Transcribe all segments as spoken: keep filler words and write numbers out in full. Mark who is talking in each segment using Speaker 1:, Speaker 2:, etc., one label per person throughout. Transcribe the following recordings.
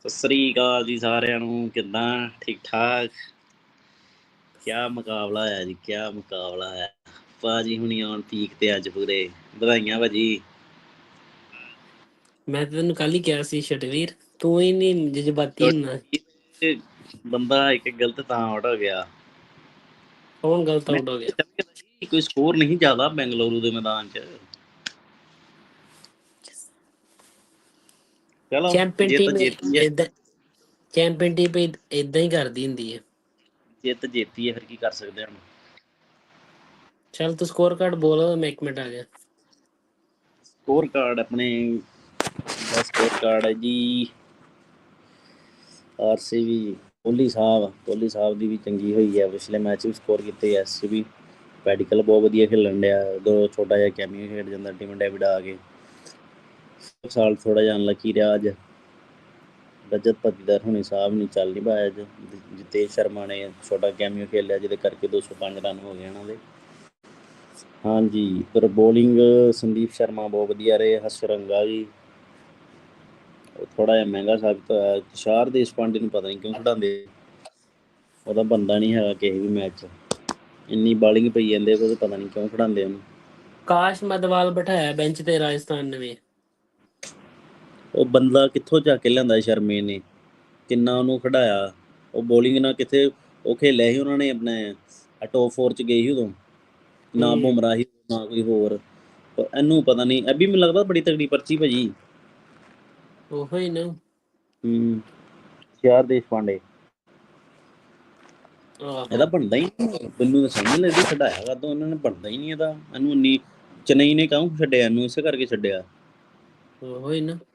Speaker 1: ਸਤਿ ਸ੍ਰੀ ਅਕਾਲ ਜੀ ਸਾਰਿਆਂ ਨੂੰ। ਕਿੱਦਾਂ? ਠੀਕ ਠਾਕ? ਕਿਆ ਮੁਕਾਬਲਾ ਹੈ ਜੀ, ਕਿਆ ਮੁਕਾਬਲਾ ਹੈ। ਭਾਜੀ ਹੁਣੀ ਆਉਣ ਪੀਕ ਤੇ ਅੱਜ ਪੂਰੇ। ਵਧਾਈਆਂ ਭਾਜੀ।
Speaker 2: ਮੈਂ ਤਾਂ ਤੈਨੂੰ ਕੱਲ ਹੀ ਕਿਹਾ ਸੀ ਛਟਵੀਰ, ਤੂੰ ਹੀ ਨਹੀਂ ਜਜ਼ਬਾਤੀ ਹੁੰਦਾ।
Speaker 1: ਬੰਦਾ ਇੱਕ ਗਲਤ ਤਾਂ ਆਊਟ ਹੋ ਗਿਆ।
Speaker 2: ਕੌਣ ਗਲਤ ਆਊਟ ਹੋ ਗਿਆ?
Speaker 1: ਕੋਈ ਸਕੋਰ ਨਹੀਂ ਜ਼ਿਆਦਾ ਬੈਂਗਲੁਰੂ ਦੇ ਮੈਦਾਨ 'ਚ। ਚਲੋ
Speaker 2: ਚੈਂਪੀਅਨ
Speaker 1: ਜਿੱਤ
Speaker 2: ਟੀਮ
Speaker 1: ਜੇਤੀ ਹੈ।
Speaker 2: ਇਦਾਂ ਚੈਂਪੀਅਨ ਟੀਮ ਇਦਾਂ ਹੀ ਕਰਦੀ ਹੁੰਦੀ ਹੈ।
Speaker 1: ਜਿੱਤ ਜੇਤੀ ਹੈ, ਫਿਰ ਕੀ ਕਰ ਸਕਦੇ ਹਾਂ।
Speaker 2: ਚੱਲ ਤੂੰ ਸਕੋਰ ਕਾਰਡ ਬੋਲ, ਮੈਂ ਇੱਕ ਮਿੰਟ ਆ ਗਿਆ।
Speaker 1: ਸਕੋਰ ਕਾਰਡ ਆਪਣੇ ਦਾ ਸਕੋਰ ਕਾਰਡ ਹੈ ਜੀ ਆਰ ਸੀ ਵੀ ਕੋਹਲੀ ਸਾਹਿਬ ਕੋਹਲੀ ਸਾਹਿਬ ਦੀ ਵੀ ਚੰਗੀ ਹੋਈ ਹੈ। ਪਿਛਲੇ ਮੈਚ ਵੀ ਸਕੋਰ ਕੀਤੇ। ਐਸ ਵੀ ਪੈਡੀਕਲ ਬਹੁਤ ਵਧੀਆ ਖੇਲਣ ਡਿਆ। ਉਦੋਂ ਛੋਟਾ ਜਿਹਾ ਕੈਮੀਓ ਖੇਡ ਜਾਂਦਾ ਟੀਮ ਡੇਵਿਡ ਆ ਕੇ। ਸਾਲ ਥੋੜ੍ਹਾ ਜਿਹਾ ਅਨਲੱਕੀ ਰਿਹਾ ਅੱਜ। ਰਜਤ ਪੱਤੀਦਾਰ ਹੁਣੀ ਸਾਹਿਬ ਨਹੀਂ ਚੱਲ ਨਹੀਂ ਪਾਇਆ ਅੱਜ। ਜਿਤੇਸ਼ ਸ਼ਰਮਾ ਨੇ ਛੋਟਾ ਕੈਮੀਓ ਖੇਲਿਆ, ਜਿਹਦੇ ਕਰਕੇ ਦੋ ਸੌ ਪੰਜ ਰਨ ਹੋ ਗਏ ਉਹਨਾਂ ਦੇ। ਹਾਂਜੀ, ਪਰ ਬੋਲਿੰਗ ਸੰਦੀਪ ਸ਼ਰਮਾ ਬਹੁਤ ਵਧੀਆ ਰਹੇ। ਹਸਰੰਗਾ ਜੀ ਥੋੜਾ ਜਿਹਾ ਮਹਿੰਗਾ ਸਾਬਤ ਹੋਇਆ। ਤੁਸ਼ਾਰ ਦੇਸ਼ਪਾਂਡੇ ਨੂੰ ਪਤਾ ਨਹੀਂ ਕਿਉਂ ਖਿਡਾਉਂਦੇ। ਉਹਦਾ ਬੰਦਾ ਨਹੀਂ ਹੈਗਾ ਕਿਸੇ ਵੀ ਮੈਚ 'ਚ। ਇੰਨੀ ਬਾਲਿੰਗ ਪਈ ਜਾਂਦੇ ਉਹਦੇ, ਪਤਾ ਨਹੀਂ ਕਿਉਂ ਖਿਡਾਉਂਦੇ ਉਹਨੂੰ।
Speaker 2: ਕਾਸ਼ ਮਦਵਾਲ ਬਿਠਾਇਆ ਬੈਂਚ ਤੇ ਰਾਜਸਥਾਨ ਨੇ ਵੀ।
Speaker 1: ਉਹ ਬੰਦਾ ਕਿੱਥੋਂ ਚੱਕ ਕੇ ਲਿਆਂਦਾ ਸ਼ਰਮੇ ਨੇ, ਕਿੰਨਾ ਉਹਨੂੰ ਖਿਡਾਇਆ। ਉਹ ਬੋਲਿੰਗ ਨਾਲ ਕਿੱਥੇ ਉਹ ਖੇਲਿਆ ਸੀ ਉਹਨਾਂ ਨੇ ਆਪਣੇ ਟੋਪ ਫੋਰ 'ਚ ਗਏ ਸੀ ਉਦੋਂ। ਨਾ ਬੁਮਰਾਹ ਸੀ ਨਾ ਕੋਈ ਹੋਰ। ਇਹਨੂੰ ਪਤਾ ਨਹੀਂ। ਇਹ ਵੀ ਮੈਨੂੰ ਲੱਗਦਾ ਬੜੀ ਤਗੜੀ ਪਰਚੀ ਭਾਜੀ।
Speaker 2: ਉਹੋ ਹੀ ਨਾ।
Speaker 1: ਹੂੰ ਤੁਸ਼ਾਰ ਦੇਸ਼ਪਾਂਡੇ ਇਹਦਾ ਬਣਦਾ ਹੀ ਨਹੀਂ। ਮੈਨੂੰ ਤਾਂ ਸਮਝ ਨਹੀਂ ਲੱਗਦੀ ਛਡਾਇਆ ਕਦੋਂ ਉਹਨਾਂ ਨੇ। ਬਣਦਾ ਹੀ ਨਹੀਂ ਇਹਦਾ। ਇਹਨੂੰ ਇੰਨੀ ਚੇਨਈ ਨੇ ਕਿਉਂ ਛੱਡਿਆ ਇਹਨੂੰ? ਇਸੇ ਕਰਕੇ ਛੱਡਿਆ।
Speaker 2: ਉਹੋ ਹੀ ਨਾ।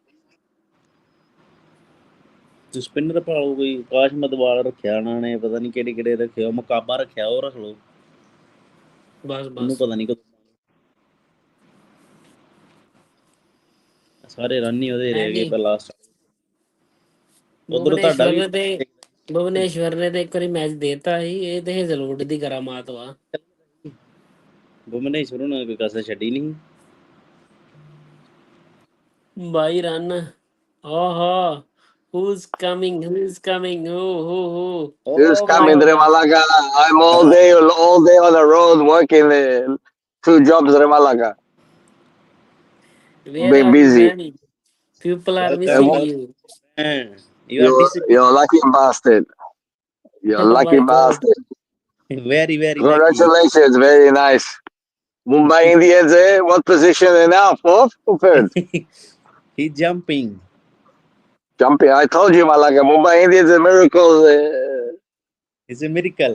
Speaker 1: ਸਪਿਨਰ ਪਾਓ ਕੋਈ। ਆਕਾਸ਼ ਮਦਵਾਲ ਰੱਖਿਆ ਉਹਨਾਂ ਨੇ, ਪਤਾ ਨਹੀਂ ਕਿਹੜੇ ਕਿਹੜੇ ਰੱਖਿਆ। ਮੁਕਾਬਾ ਰੱਖਿਆ, ਉਹ ਰੱਖ ਲਓ।
Speaker 2: ਬਸ
Speaker 1: ਉਹਨੂੰ
Speaker 2: ਬਸ
Speaker 1: ਪਤਾ ਨਹੀਂ ਕਦੋਂ। ਸਾਰੇ ਰਨ ਹੀ ਉਹਦੇ ਰਹਿ ਗਏ ਪਰ ਲਾਸਟ। ਉਧਰੋਂ ਤੁਹਾਡਾ
Speaker 2: ਭੁਵਨੇਸ਼ਵਰ
Speaker 1: ਵੀ
Speaker 2: ਨੇ ਤੇ ਭੁਵਨੇਸ਼ਵਰ ਨੇ ਤੇ ਇੱਕ ਵਾਰੀ ਮੈਚ ਦੇਤਾ ਸੀ। ਇਹ ਤੇ ਹੇਜ਼ਲਵੁੱਡ ਦੀ ਕਰਾਮਾਤ ਵਾ।
Speaker 1: ਭੁਵਨੇਸ਼ਵਰ ਨੂੰ ਕੋਈ ਕਸਰ ਛੱਡੀ ਨਹੀਂ।
Speaker 2: ਬਾਈ ਰਨ। ਆਹਾ who's coming who's coming oh oh oh
Speaker 3: Who's coming, Remalaga? I'm all day, all day on the road working uh, two jobs, Remalaga.
Speaker 2: where
Speaker 3: Been
Speaker 2: are you
Speaker 3: busy.
Speaker 2: man? People are
Speaker 1: Welcome,
Speaker 2: missing
Speaker 3: Uh,
Speaker 2: you.
Speaker 1: you are
Speaker 3: you're,
Speaker 1: disciplined.
Speaker 3: you're a lucky bastard. You're a
Speaker 2: Oh
Speaker 3: lucky
Speaker 2: my God.
Speaker 3: bastard.
Speaker 1: Very, very lucky.
Speaker 3: Congratulations, very nice. Mumbai Indians, eh? What position are now? Fourth or third?
Speaker 1: He's jumping.
Speaker 3: Jumping. I told you, Malaga. Mumbai Indians are miracles. Uh,
Speaker 1: It's a miracle.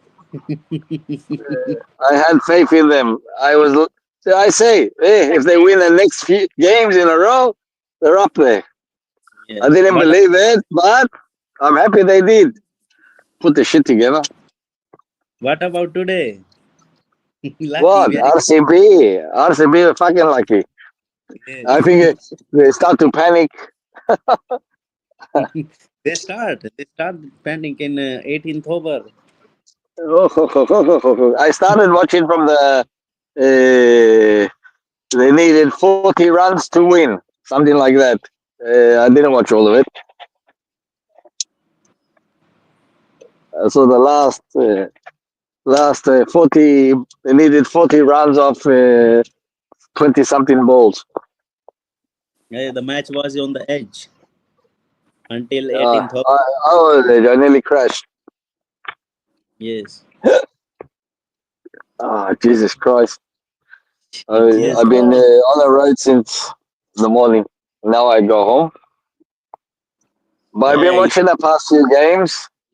Speaker 3: I had faith in them. I was. I say, hey, if they win the next few games in a row, they're up there.
Speaker 1: Yes.
Speaker 3: I didn't
Speaker 1: What
Speaker 3: believe it, but I'm happy they did. Put the shit together.
Speaker 1: What about today? Lucky,
Speaker 3: What?
Speaker 1: very
Speaker 3: R C B. R C B are fucking lucky.
Speaker 1: yes.
Speaker 3: I think it, they start to panic.
Speaker 1: they start. They start pending in uh, eighteenth over.
Speaker 3: I started watching from the. Uh, they needed forty runs to win, something like that. Uh, I didn't watch all of it. Uh, so the last, uh, last uh, forty, they needed forty runs of twenty uh, something balls.
Speaker 1: Yeah, the match was on the edge until
Speaker 3: Uh,
Speaker 1: eighteenth over.
Speaker 3: I, oh, I nearly crashed.
Speaker 1: Yes.
Speaker 3: Oh, Jesus Christ. I,
Speaker 1: Yes.
Speaker 3: I've been uh, on the road since the morning. Now I go home. But I've been
Speaker 1: Hey.
Speaker 3: watching the past few games.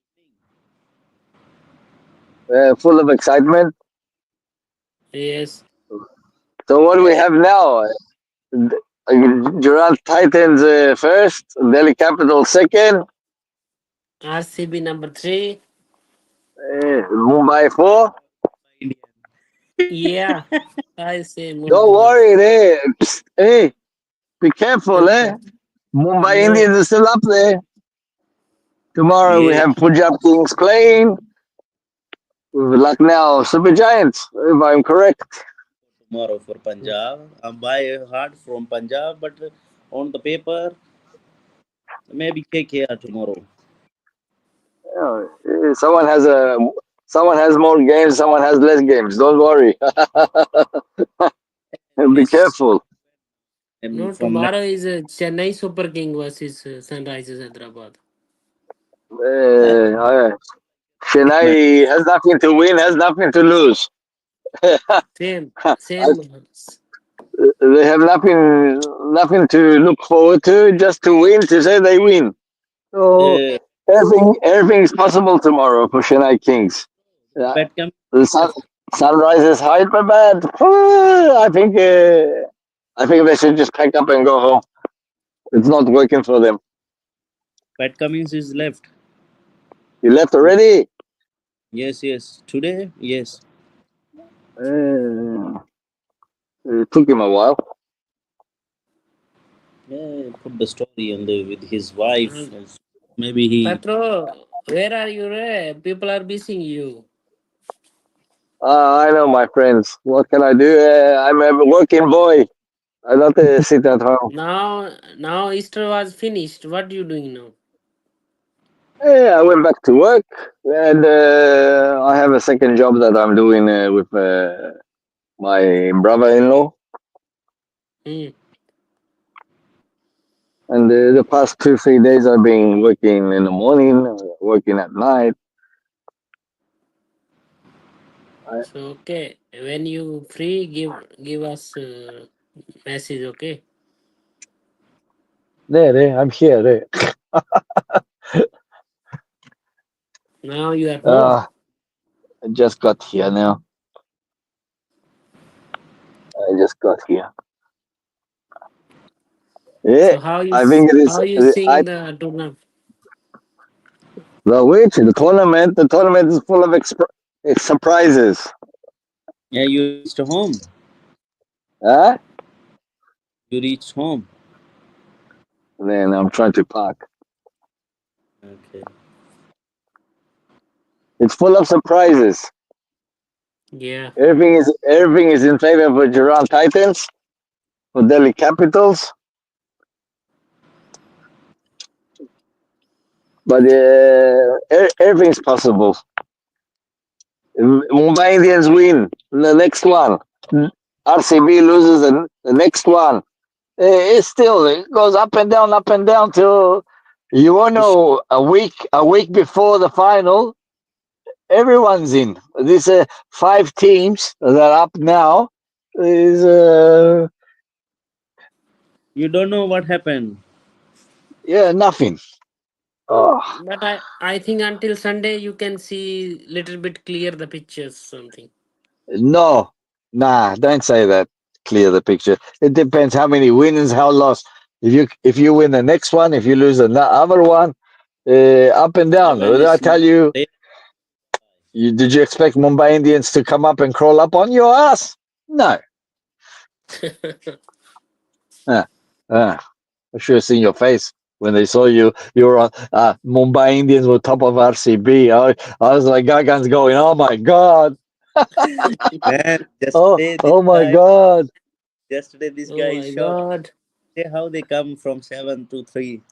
Speaker 3: Uh, full of excitement.
Speaker 2: Yes.
Speaker 3: So what do we have now? Gujarat Titans uh, first, Delhi Capitals second.
Speaker 2: R C B number three.
Speaker 3: Uh, Mumbai four.
Speaker 2: Yeah, I say Mumbai.
Speaker 3: Don't worry, hey, Psst, hey, be careful, eh? Mumbai
Speaker 2: Yeah.
Speaker 3: Indians are still up there. Tomorrow
Speaker 1: Yeah.
Speaker 3: we have Punjab Kings playing with Lucknow Super Giants, if I'm correct.
Speaker 1: Tomorrow for Punjab. I'm by heart from Punjab, but on the paper, Maybe K K R tomorrow.
Speaker 3: Yeah, eh, someone has a someone has more games, someone has less games. Don't worry. Be
Speaker 2: Yes.
Speaker 3: careful.
Speaker 1: And
Speaker 2: No,
Speaker 1: from next,
Speaker 2: tomorrow is uh, Chennai Super King versus uh, Sunrisers Hyderabad.
Speaker 1: that
Speaker 3: Uh, uh,
Speaker 1: match.
Speaker 3: Chennai has nothing to win, has nothing to lose.
Speaker 2: Same,
Speaker 3: I-
Speaker 2: same.
Speaker 3: they have nothing nothing to look forward to, just to win, to say they win. So
Speaker 1: Uh,
Speaker 3: everything everything is possible tomorrow for Chennai Kings. Yeah.
Speaker 1: bet coming
Speaker 3: The sun,
Speaker 1: left.
Speaker 3: sunrise is Hyderabad. I think uh, I think they should just pack up and go home. It's not working for them.
Speaker 1: Pat Cummins is left.
Speaker 3: You left already?
Speaker 1: Yes, yes. Today, yes.
Speaker 3: Uh, it took him a while.
Speaker 1: Yeah, put the story on the with his wife.
Speaker 2: Um,
Speaker 1: Maybe he.
Speaker 2: Petro, where are you? Re? People are missing you.
Speaker 3: Uh, I know, my friends. What can I do? Uh, I'm a working boy. I don't uh, sit at home.
Speaker 2: Now, now Easter was finished. What are you doing now?
Speaker 3: Yeah, I went back to work, and uh, I have a second job that I'm doing uh, with uh, my brother-in-law.
Speaker 2: Hmm.
Speaker 3: And uh, the past two, three days, I've been working in the morning, uh, working at night. I,
Speaker 2: So okay, when you free, give give us uh, message. Okay.
Speaker 3: there, there, I'm here. There.
Speaker 2: Now you are home.
Speaker 3: Uh, I just got here now. I just got here. Yeah,
Speaker 2: So how you
Speaker 3: I
Speaker 2: s-
Speaker 3: think it is.
Speaker 2: how you
Speaker 3: uh, I
Speaker 2: seeing the tournament?
Speaker 3: the which the tournament. The tournament is full of exp- uh, surprises.
Speaker 1: Yeah, you reached home.
Speaker 3: Huh?
Speaker 1: You reached home.
Speaker 3: Then I'm trying to park.
Speaker 1: Okay.
Speaker 3: It's full of surprises.
Speaker 2: Yeah.
Speaker 3: Everything is everything is in favor of Iran Titans, for Delhi Capitals, but uh, e- everything's possible. Mumbai Indians win the next one. R C B loses the, the next one. Eh, It's still it goes up and down, up and down till you won't know a week a week before the final. Everyone's in. These uh, five teams that are up now is uh,
Speaker 1: You don't know what happened.
Speaker 3: yeah nothing. Oh,
Speaker 2: But I I think until Sunday you can see little bit clear the pictures something.
Speaker 3: no, nah, don't say that. Clear the picture. It depends how many wins, how lost. If you if you win the next one, if you lose the other one, uh, up and down.
Speaker 1: Seven
Speaker 3: Did I
Speaker 1: is
Speaker 3: tell you,
Speaker 1: they-
Speaker 3: you? Did you expect Mumbai Indians to come up and crawl up on your ass? No. Uh, uh, I should have seen your face when they saw you. You were on uh, Mumbai Indians were top of R C B. I, I was like, Gagan's going, oh my god,
Speaker 1: man.
Speaker 3: oh
Speaker 1: Yesterday, this
Speaker 3: oh my
Speaker 1: guy.
Speaker 3: god.
Speaker 1: Yesterday, this
Speaker 2: Oh
Speaker 1: guy is
Speaker 2: my
Speaker 1: shocked.
Speaker 2: god.
Speaker 1: Say how they come from seven to three.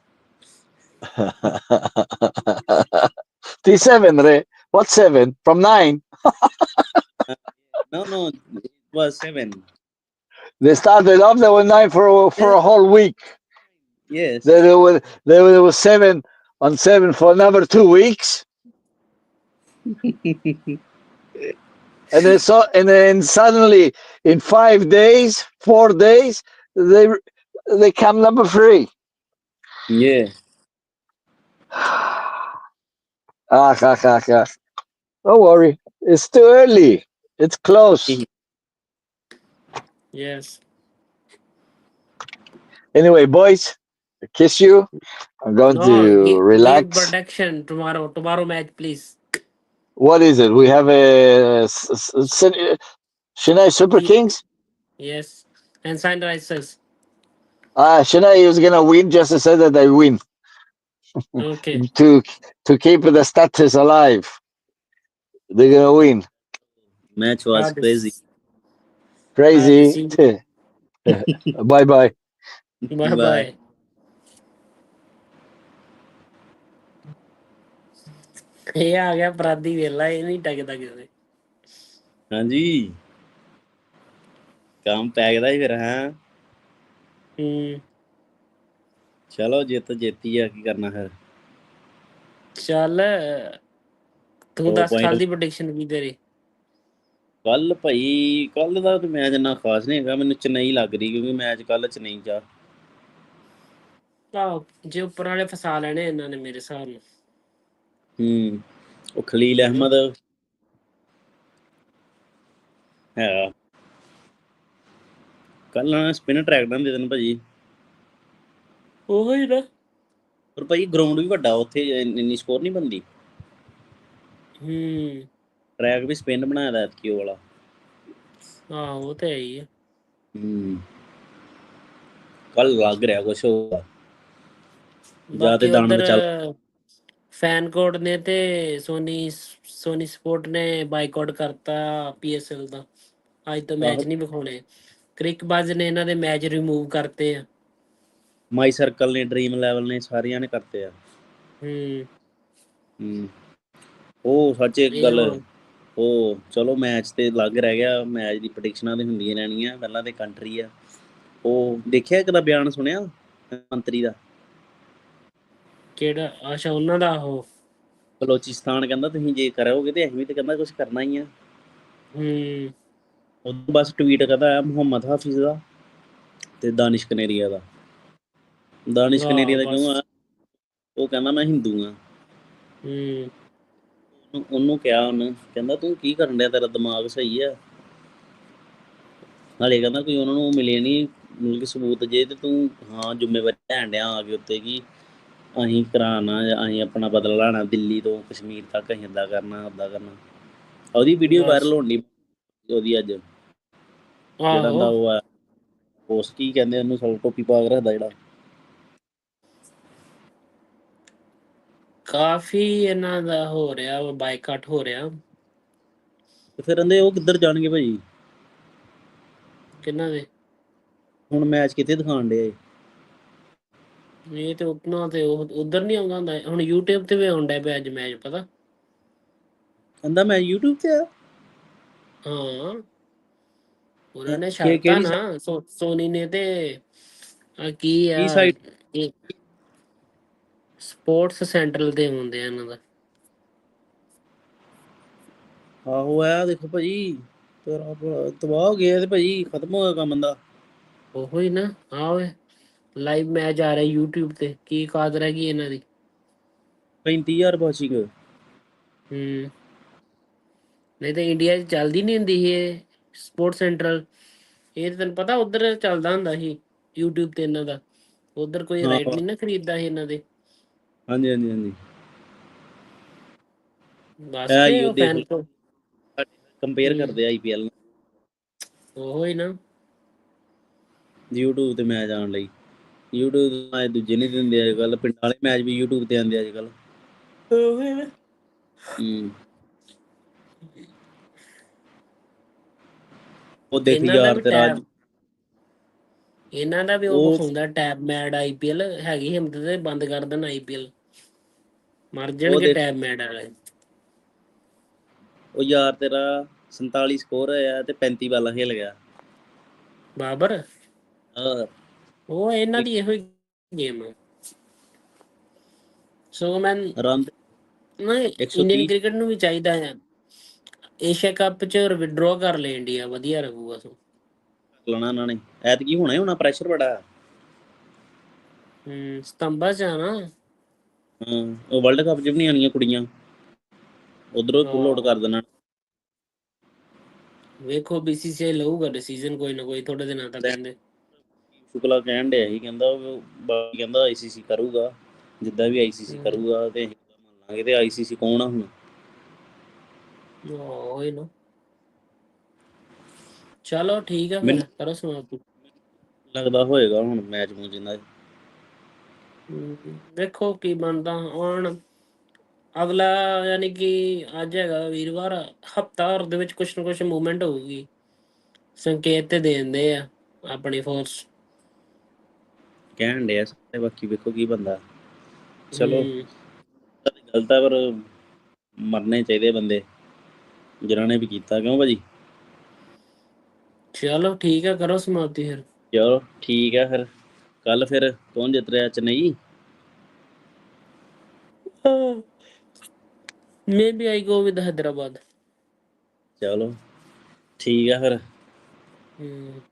Speaker 3: T seven, Ray. What seven? From nine?
Speaker 1: No, no, it was seven.
Speaker 3: They started off. They were nine for for
Speaker 1: Yeah,
Speaker 3: a whole week. Then
Speaker 1: yes.
Speaker 3: there were there were, there was seven on seven for another two weeks, and then so and then suddenly in five days, four days, they they come number three.
Speaker 1: Yeah.
Speaker 3: ah, ah, ah, ah. Don't worry, it's too early. It's close.
Speaker 2: Yes.
Speaker 3: Anyway, boys, I kiss you. I'm going
Speaker 2: No,
Speaker 3: to
Speaker 2: give give
Speaker 3: relax.
Speaker 2: protection tomorrow. Tomorrow match, please.
Speaker 3: What is it? We have a s- s- s- Chennai Super
Speaker 2: Ye-
Speaker 3: Kings.
Speaker 2: Yes. And Sunrisers.
Speaker 3: Ah, Chennai is gonna win just to say that they win
Speaker 2: Okay.
Speaker 3: to to keep the status alive. They're gonna win.
Speaker 1: Match was
Speaker 2: Hard.
Speaker 1: crazy.
Speaker 2: Hard to
Speaker 3: Crazy.
Speaker 2: see.
Speaker 3: Bye bye.
Speaker 2: Bye
Speaker 1: Bye.
Speaker 2: bye. ਇਹ ਆ ਗਿਆ ਅਪਰਾਧੀ ਵੇਲਾ, ਇਹ ਨਹੀਂ ਟਕਦਾ ਕਿਸੇ।
Speaker 1: ਹਾਂਜੀ ਕੰਮ ਪੈ ਗਿਆ ਫਿਰ ਹੈ।
Speaker 2: ਹੂੰ
Speaker 1: ਚਲੋ ਜਿੱਤ ਜਿੱਤੀ ਆ, ਕੀ ਕਰਨਾ ਫਿਰ।
Speaker 2: ਚੱਲ ਤੂੰ
Speaker 1: ਦੋ
Speaker 2: ਦੱਸ
Speaker 1: ਪੁਆਇੰਟ
Speaker 2: ਕੱਲ ਦੀ ਪ੍ਰੈਡਿਕਸ਼ਨ ਕੀ ਤੇਰੀ?
Speaker 1: ਕੱਲ ਭਾਈ ਕੱਲ ਦਾ ਮੈਚ ਇੰਨਾ ਖਾਸ ਨਹੀਂ ਹੈਗਾ, ਮੈਨੂੰ ਚੇਨਈ ਲੱਗ ਰਹੀ ਕਿਉਂਕਿ ਮੈਚ ਕੱਲ ਚੇਨਈ ਚ ਆ।
Speaker 2: ਆਹੋ ਜੇ ਉੱਪਰ ਵਾਲੇ ਫਸਾ ਲੈਣੇ ਇਹਨਾਂ ਨੇ ਮੇਰੇ ਹਿਸਾਬ ਨਾਲ।
Speaker 1: ਹੂੰ ਉਹ ਖਲੀਲ
Speaker 2: ਹਨਾ?
Speaker 1: ਅਹਿਮਦ ਹੈ ਕੱਲ ਨਾ ਸਪਿਨ ਟਰੈਕ ਨਾ ਦੇ ਦੇਣ ਭਾਜੀ।
Speaker 2: ਉਹ ਹੀ ਨਾ।
Speaker 1: ਪਰ ਭਾਈ ਗਰਾਊਂਡ ਵੀ ਵੱਡਾ, ਉੱਥੇ ਇੰਨੀ ਸਕੋਰ ਨਹੀਂ ਬਣਦੀ।
Speaker 2: ਹੂੰ
Speaker 1: ਟਰੈਕ ਵੀ ਸਪਿਨ ਬਣਾਇਆ ਦਾ ਐਤਕੀ ਉਹ ਵਾਲਾ।
Speaker 2: ਆਹੋ ਉਹ ਤੇ ਹੈ ਹੀ ਆ।
Speaker 1: ਹੂੰ ਕੱਲ ਲੱਗ ਰਿਹਾ ਕੁਛ ਹੋਊਗਾ ਜਾਂ ਤੇ
Speaker 2: ਬਾਕੀ
Speaker 1: ਦਾਣ
Speaker 2: ਉਧਰ
Speaker 1: ਬਚਾ।
Speaker 2: ਫੈਨਕੋਟ ਨੇ ਤੇ ਸੋਨੀ ਸੋਨੀ ਸਪੋਰਟ ਨੇ ਬਾਈਕਾਟ ਕਰਤਾ ਪੀ ਐਸ ਐਲ ਦਾ। ਅੱਜ ਤੋਂ
Speaker 1: ਆਹੋ
Speaker 2: ਮੈਚ ਨਹੀਂ ਵਿਖਾਉਣੇ। ਕ੍ਰਿਕਬਾਜ਼ ਨੇ ਇਹਨਾਂ ਦੇ ਮੈਚ ਰਿਮੂਵ ਕਰਤੇ ਆ।
Speaker 1: ਮਾਈ ਸਰਕਲ ਨੇ, ਡ੍ਰੀਮ ਲੈਵਲ ਨੇ, ਸਾਰੀਆਂ ਨੇ ਕਰਤੇ ਆ।
Speaker 2: ਹੂੰ
Speaker 1: ਹੂੰ ਉਹ ਸੱਚ ਇੱਕ
Speaker 2: ਇਹ
Speaker 1: ਗੱਲ,
Speaker 2: ਹੁਣ
Speaker 1: ਉਹ ਚਲੋ ਮੈਚ ਤੇ ਲੱਗ ਰਹਿ ਗਿਆ, ਮੈਚ ਦੀ ਪ੍ਰੈਡਿਕਸ਼ਨਾਂ ਤੇ ਹੁੰਦੀਆਂ ਰਹਿਣੀਆਂ। ਪਹਿਲਾਂ ਤੇ ਕੰਟਰੀ ਆ, ਉਹ ਦੇਖਿਆ ਇੱਕ ਦਾ ਬਿਆਨ ਸੁਣਿਆ ਮੰਤਰੀ ਦਾ।
Speaker 2: ਕਿਹੜਾ? ਅੱਛਾ ਉਹਨਾਂ ਦਾ ਉਹ।
Speaker 1: ਬਲੋਚਿਸਤਾਨ ਕਹਿੰਦਾ ਤੁਸੀਂ ਜੇ ਕਰੋਗੇ ਤੇ ਅਸੀਂ ਵੀ ਤੇ ਕਹਿੰਦਾ ਕੁਛ ਕਰਨਾ ਹੀ ਆ।
Speaker 2: ਹੂੰ
Speaker 1: ਉਦੋਂ ਬਸ ਟਵੀਟ ਕਰਦਾ ਆ ਮੁਹੰਮਦ ਹਾਫਿਜ਼ ਦਾ ਤੇ ਦਾਨਿਸ਼ ਕਨੇਰੀਆ ਦਾ। ਦਾਨਿਸ਼
Speaker 2: ਆਹ
Speaker 1: ਕਨੇਰੀਆ ਦਾ
Speaker 2: ਬਸ।
Speaker 1: ਕਿਉਂ ਆ? ਉਹ ਕਹਿੰਦਾ ਮੈਂ ਹਿੰਦੂ ਹਾਂ।
Speaker 2: ਹੂੰ
Speaker 1: ਉਹਨੂੰ ਕਿਹਾ, ਉਹਨੇ ਕਹਿੰਦਾ ਤੂੰ ਕੀ ਕਰਨ ਡਿਆ, ਤੇਰਾ ਦਿਮਾਗ ਸਹੀ ਆ? ਹਾਲੇ ਕਹਿੰਦਾ ਕੋਈ ਉਹਨਾਂ ਨੂੰ ਮਿਲੇ ਨਹੀਂ ਮਤਲਬ ਕਿ ਸਬੂਤ ਜੇ, ਤੇ ਤੂੰ ਹਾਂ ਜ਼ਿੰਮੇਵਾਰੀ ਲੈਣ ਡਿਆ ਆ ਕੇ ਉੱਤੇ ਕਿ ਅਸੀਂ ਕਰਾਉਣਾ, ਅਸੀਂ ਆਪਣਾ ਬਦਲਾ ਲੈਣਾ ਦਿੱਲੀ ਤੋਂ ਕਸ਼ਮੀਰ ਤੱਕ, ਅਸੀਂ ਇੱਦਾਂ ਕਰਨਾ ਉੱਦਾਂ ਕਰਨਾ। ਉਹਦੀ ਵੀਡੀਓ ਵਾਇਰਲ
Speaker 2: ਬਸ।
Speaker 1: ਹੋਣ ਡਈ ਉਹਦੀ ਅੱਜ, ਜਿਹੜਾ
Speaker 2: ਆਹੋ
Speaker 1: ਹੁੰਦਾ ਉਹ ਆ ਉਸ ਕੀ ਕਹਿੰਦੇ ਉਹਨੂੰ, ਸਲ ਟੋਪੀ ਪਾ ਕੇ ਰੱਖਦਾ ਜਿਹੜਾ।
Speaker 2: ਕਾਫੀ ਇਹਨਾਂ ਦਾ ਹੋ ਰਿਹਾ ਵਾ, ਬਾਈਕਾਟ ਹੋ ਰਿਹਾ।
Speaker 1: ਤੇ ਫਿਰ ਕਹਿੰਦੇ ਉਹ ਕਿੱਧਰ ਜਾਣਗੇ ਭਾਈ?
Speaker 2: ਕਿਹਨਾਂ ਦੇ?
Speaker 1: ਹੁਣ ਮੈਚ ਕਿੱਥੇ ਦਿਖਾਉਣ ਡਿਆ?
Speaker 2: ਇਹ ਤੇ ਉਤਨਾ ਤੇ ਉਹ ਉਧਰ ਨਹੀਂ ਆਉਂਦਾ ਹੁੰਦਾ, ਹੁਣ YouTube ਤੇ ਵੀ ਆਉਣ ਡਿਆ ਪਿਆ ਅੱਜ ਮੈਚ, ਪਤਾ?
Speaker 1: ਕਹਿੰਦਾ ਮੈਂ YouTube ਤੇ ਆ।
Speaker 2: ਹਾਂ ਉਹਨਾਂ ਨੇ
Speaker 1: ਕਿ
Speaker 2: ਛੱਡਤਾ
Speaker 1: ਕਿਹੜੀ
Speaker 2: ਨਾ, ਸੋ ਸੋਨੀ ਨੇ ਤੇ ਆ ਕੀ ਆ
Speaker 1: ਕੀ ਸਾਈਡ?
Speaker 2: ਇਹ ਸਪੋਰਟਸ ਸੈਂਟਰਲ ਤੇ ਹੁੰਦੇ ਆ ਇਹਨਾਂ ਦਾ।
Speaker 1: ਆਹੋ ਆ ਦੇਖੋ ਭਾਜੀ, ਤੇਰਾ ਤਬਾਹ ਹੋ ਗਿਆ ਤੇ ਭਾਜੀ ਖਤਮ ਹੋ ਗਿਆ ਕੰਮ ਦਾ।
Speaker 2: ਉਹੋ ਹੀ ਨਾ। ਆ ਓਏ ਲਾਈਵ ਮੈਚ ਆ ਰਿਹਾ YouTube ਤੇ, ਕੀ ਕਾਦ ਰਹਿ ਗਈ ਇਹਨਾਂ ਦੀ।
Speaker 1: ਪੈਂਤੀ ਹਜ਼ਾਰ ਵਾਚਿੰਗ।
Speaker 2: ਹੂੰ ਨਹੀਂ ਤਾਂ ਇੰਡੀਆ 'ਚ ਚੱਲਦੀ ਨਹੀਂ ਹੁੰਦੀ ਸੀ ਇਹ ਸਪੋਰਟ ਸੈਂਟਰਲ। ਇਹ ਤਾਂ ਤੈਨੂੰ ਪਤਾ ਉੱਧਰ ਚੱਲਦਾ ਹੁੰਦਾ ਸੀ YouTube ਤੇ ਇਹਨਾਂ ਦਾ। ਉੱਧਰ ਕੋਈ
Speaker 1: ਹਾਂ
Speaker 2: ਰਾਈਟ ਨਹੀਂ ਨਾ ਖਰੀਦਦਾ ਸੀ ਇਹਨਾਂ ਦੇ।
Speaker 1: ਹਾਂਜੀ ਹਾਂਜੀ ਹਾਂਜੀ
Speaker 2: ਬਸ
Speaker 1: ਇਹ
Speaker 2: ਕੇ
Speaker 1: ਹੀ ਉਹ
Speaker 2: ਉਹ
Speaker 1: ਦੇਖ
Speaker 2: ਫੈਨ
Speaker 1: ਲਓ,
Speaker 2: ਕੋ।
Speaker 1: ਕੰਪੇਅਰ
Speaker 2: ਹੂੰ
Speaker 1: ਕਰਦੇ ਆਈ ਪੀ ਐਲ ਨੂੰ
Speaker 2: ਉਹੋ ਹੀ ਨਾ।
Speaker 1: YouTube ਤੇ ਮੈਚ ਆਉਣ ਲਈ। YouTube ਤੇ ਮੈਚ ਦੂਜੇ ਨਹੀਂ ਦਿੰਦੇ ਅੱਜ ਕੱਲ੍ਹ, ਪਿੰਡਾਂ ਵਾਲੇ ਮੈਚ ਵੀ YouTube ਤੇ ਆਉਂਦੇ ਅੱਜ ਕੱਲ੍ਹ।
Speaker 2: ਉਹੋ ਹੀ ਨਾ।
Speaker 1: ਹੂੰ ਉਹ ਦੇਖ
Speaker 2: ਇਹਨਾਂ ਦਾ
Speaker 1: ਯਾਰ
Speaker 2: ਵੀ
Speaker 1: ਤੇਰਾ ਅੱਜ
Speaker 2: ਟੈਬ, ਇਹਨਾਂ ਦਾ ਵੀ ਉਹ ਵਿਖਾਉਂਦਾ Tapmad I P L. ਹੈਗੀ ਹਿੰਮਤ ਤੇ ਬੰਦ ਕਰ ਦੇਣ ਆਈ ਪੀ ਐਲ, ਮਰ
Speaker 1: ਉਹ
Speaker 2: ਜਾਣਗੇ
Speaker 1: ਦੇਖ
Speaker 2: ਟੈਬ ਮੈਡ ਵਾਲੇ।
Speaker 1: ਉਹ ਯਾਰ ਤੇਰਾ ਸੰਤਾਲੀ ਸਕੋਰ ਹੋਇਆ ਤੇ ਪੈਂਤੀ ਬਾਲਾਂ ਖੇਲ ਗਿਆ।
Speaker 2: ਬਾਬਰ
Speaker 1: ਹਾਂ
Speaker 2: ਉਹ ਇਹਨਾਂ ਦੀ ਇਹੋ ਹੀ ਗੇਮ ਆ। ਸੋ ਮੈਂ
Speaker 1: ਰਨ
Speaker 2: ਨਹੀਂ,
Speaker 1: ਇੱਕ ਸੌ
Speaker 2: ਇੰਡੀਅਨ
Speaker 1: ਤੀਹ
Speaker 2: ਕ੍ਰਿਕਟ ਨੂੰ ਵੀ ਚਾਹੀਦਾ ਆ ਏਸ਼ੀਆ ਕੱਪ 'ਚ ਵਿਡਰੋ ਕਰ ਲੈ ਇੰਡੀਆ, ਵਧੀਆ ਰਹੂਗਾ। ਸੋ
Speaker 1: ਲੈਣਾ ਇਹਨਾਂ ਨੇ ਐਤਕੀ ਹੋਣਾ ਹੀ ਹੋਣਾ, ਪ੍ਰੈਸ਼ਰ ਬੜਾ।
Speaker 2: ਹੂੰ ਸਤੰਬਰ 'ਚ ਆ ਨਾ।
Speaker 1: ਹਾਂ ਉਹ ਵਰਲਡ ਕੱਪ 'ਚ ਵੀ ਨਹੀਂ ਆਉਣੀਆਂ ਕੁੜੀਆਂ, ਉੱਧਰੋਂ ਪੁੱਲ ਆਊਟ
Speaker 2: ਆਹੋ
Speaker 1: ਕਰ ਦੇਣਾ।
Speaker 2: ਵੇਖੋ ਬੀ ਸੀ ਸੀ ਆਈ ਲਊਗਾ ਡਿਸੀਜਨ ਕੋਈ ਨਾ ਕੋਈ ਥੋੜੇ ਦਿਨਾਂ ਤੱਕ ਕਹਿੰਦੇ।
Speaker 1: ਸ਼ੁਕਲਾ ਕਹਿਣ ਡਿਆ ਸੀ, ਕਹਿੰਦਾ ਬਾਕੀ ਕਹਿੰਦਾ ਆਈ ਸੀ ਸੀ ਕਰੂਗਾ, ਜਿੱਦਾਂ ਵੀ ਆਈ ਸੀ ਸੀ
Speaker 2: ਹੂੰ
Speaker 1: ਕਰੂਗਾ ਤੇ ਅਸੀਂ ਮੰਨ ਲਾਂਗੇ। ਤੇ ਆਈ ਸੀ ਸੀ ਕੌਣ ਆ ਹੁਣ?
Speaker 2: ਉਹੋ ਹੀ ਨਾ। ਚਲੋ ਠੀਕ ਆ
Speaker 1: ਮੈਨੂੰ
Speaker 2: ਫਿਰ, ਕਰੋ ਸਮਾਪਤੀ।
Speaker 1: ਲੱਗਦਾ ਹੋਏਗਾ ਹੁਣ ਮੈਚ ਮੂਚ ਇਹਨਾਂ ਦੇ।
Speaker 2: ਹੂੰ ਦੇਖੋ ਕੀ ਬਣਦਾ ਹੁਣ ਅਗਲਾ, ਯਾਨੀ ਕਿ ਅੱਜ ਹੈਗਾ ਵੀਰਵਾਰ, ਹਫ਼ਤਾ ਦੇ ਵਿੱਚ ਕੁਛ ਨਾ ਕੁਛ ਮੂਵਮੈਂਟ ਹੋਊਗੀ। ਸੰਕੇਤ ਤੇ ਦੇ ਦਿੰਦੇ ਆ ਆਪਣੀ ਫੋਰਸ।
Speaker 1: ਕਹਿਣ ਡਿਆ ਸਾਰੇ, ਬਾਕੀ ਵੇਖੋ ਕੀ ਬਣਦਾ। ਚਲੋ
Speaker 2: ਹੂੰ
Speaker 1: ਗਲਤ ਆ ਪਰ ਮਰਨੇ ਚਾਹੀਦੇ ਬੰਦੇ ਜਿਨ੍ਹਾਂ ਨੇ ਵੀ ਕੀਤਾ, ਕਿਉਂ ਭਾਜੀ?
Speaker 2: ਚਲੋ ਠੀਕ ਹੈ, ਕਰੋ ਸਮਾਪਤੀ ਫਿਰ।
Speaker 1: ਚਲੋ ਠੀਕ ਹੈ ਫਿਰ, ਕੱਲ ਫਿਰ ਕੌਣ ਜਿੱਤ ਰਿਹਾ, Chennai?
Speaker 2: Maybe I go with Hyderabad.
Speaker 1: ਚਲੋ ਠੀਕ ਹੈ ਫਿਰ।
Speaker 2: Hmm.